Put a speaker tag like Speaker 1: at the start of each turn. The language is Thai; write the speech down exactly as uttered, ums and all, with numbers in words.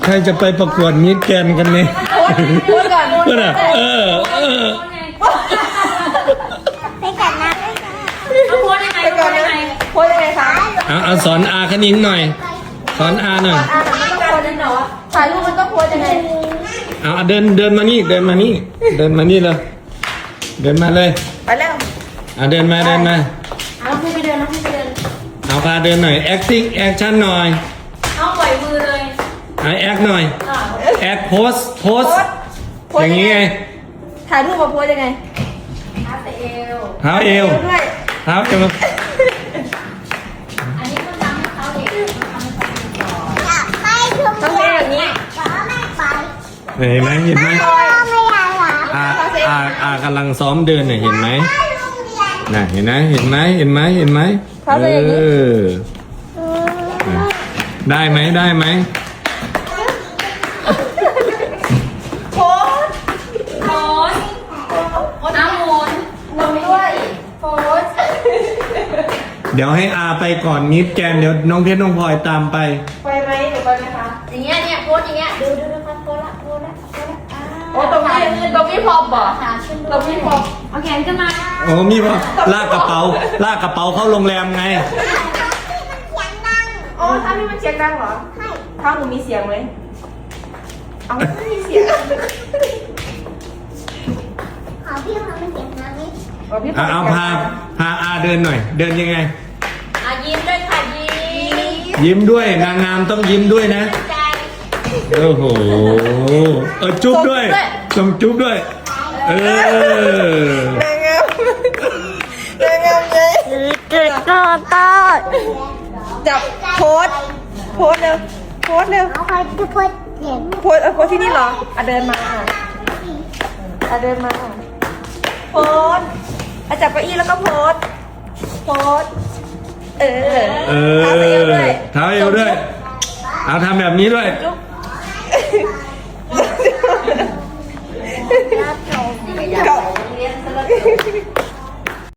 Speaker 1: ใครจะไปประกวดมิสแกรนด์กันเนี่ย
Speaker 2: พูดก่อน
Speaker 1: เพื่อนอ่ะเออเออ
Speaker 3: ไปกันนะไปกัน
Speaker 4: เอาโพสยังไง
Speaker 2: ไป
Speaker 4: โพ
Speaker 2: ก่อน
Speaker 4: สยั
Speaker 2: นะ
Speaker 4: งไง
Speaker 2: พูดยังไงคะ
Speaker 1: เอาเอาสอนอาคณิงหน่อย สอนอาหน่อย
Speaker 2: อ่ามันต้องโพสยังไงวะถ่ายรูปมันต้องโพสยังไง
Speaker 1: เอาเอาเดินเดินมานี่เดินมานี่เดินมานี่เลยเดินมาเลย
Speaker 2: ไปแล้ว
Speaker 1: เอาเดินมาเดินมา
Speaker 4: เอาพี่ไปเดินเอาพี่ไปเดิน
Speaker 1: เอาพาเดินหน่อย acting action หน่อย
Speaker 4: เอาปล่อยมือเลย
Speaker 1: เอาแอคหน่อย
Speaker 4: อ่า
Speaker 1: แอคโพสโพส
Speaker 2: โพส
Speaker 1: อย่างนี้ไง
Speaker 2: ถ่ายรูปมาโพสยังไง
Speaker 4: อาเซเอล
Speaker 1: เท้าเอว
Speaker 2: ด้วย
Speaker 1: เท้าเอว
Speaker 4: อันนี้ต้องทำให้เขาเด็กต้องทำให้เขาเด็กก่อน
Speaker 3: อยากไปชุม
Speaker 2: ต้องเป็นแบบนี้
Speaker 3: ขอไม่ไป
Speaker 1: เห็นไหมเห็นไหม
Speaker 3: พ่อไม่อยากหลับ
Speaker 1: อาอาอากำลังซ้อมเดินเนี่ยเห็นไหม
Speaker 3: ไปโรงเรียน
Speaker 1: น่ะเห็นไหมเห็นไหมเห็นไหมเห็นไหมเออได้ไหมได้ไหม
Speaker 2: โพส
Speaker 4: โพสโพสน้ำมูล
Speaker 2: ลงด้วยโพส
Speaker 1: เดี๋ยวให้อาไปก่อนมิสแกรนด์เดี๋ยวน้องเพชรน้องพลอยตามไป
Speaker 2: ไปไหมหรือไปไหมคะ
Speaker 4: อย่างเงี้ยเนี่ยโพสอย่างเงี้ยดูดูดูครับโพสละโพสละโพสละอ่า
Speaker 2: โอ้ตรงนี้ตรงนี้พอบ่
Speaker 4: ขาขึ้น
Speaker 2: ตรงนี้พอ
Speaker 4: เอาแขนขึ้นมา
Speaker 1: โอ้มีป่ะลากกระเป๋าลากกระเป๋าเข้าโรงแรมไง
Speaker 3: เสียงดัง
Speaker 2: อ๋อถ้านี่มันเสียงดังเหรอ
Speaker 3: ให้
Speaker 2: ถ้าหนูมีเสียงไหมเอาไม่มีเสียง
Speaker 3: ขอพี่ทำเป็นเสียงดังนิด
Speaker 2: อ๋อพี่
Speaker 1: เอาเอาพาพาอาเดินหน่อย เดินยังไง
Speaker 4: อ่ะยิ้มด้วยค่ะยิ้ม
Speaker 1: ยิ้มด้วยนางงามต้องยิ้มด้วยนะ
Speaker 4: ใจ
Speaker 1: โอ้โหเออจุ๊บด้วยจงจุ๊บด้วย เออน
Speaker 2: างงามนางงามเลย
Speaker 3: เกิดก็ตา
Speaker 2: จับโพสโพสเร็วโพสเร็ว
Speaker 3: เอาใครจะพูดเสียง
Speaker 2: โพสเออโพสที่นี่เหรออ่ะเดินมาอ่ะอ่ะเดินมาโพสอ่ะจับเก้าอี้แล้วก็โพสโพสเออ
Speaker 1: เอ
Speaker 2: เท้าเอวด้
Speaker 1: อ
Speaker 2: วย
Speaker 1: เท้าเอวด้วย เอาทำแบบนี้ด้วย
Speaker 2: จุ๊บ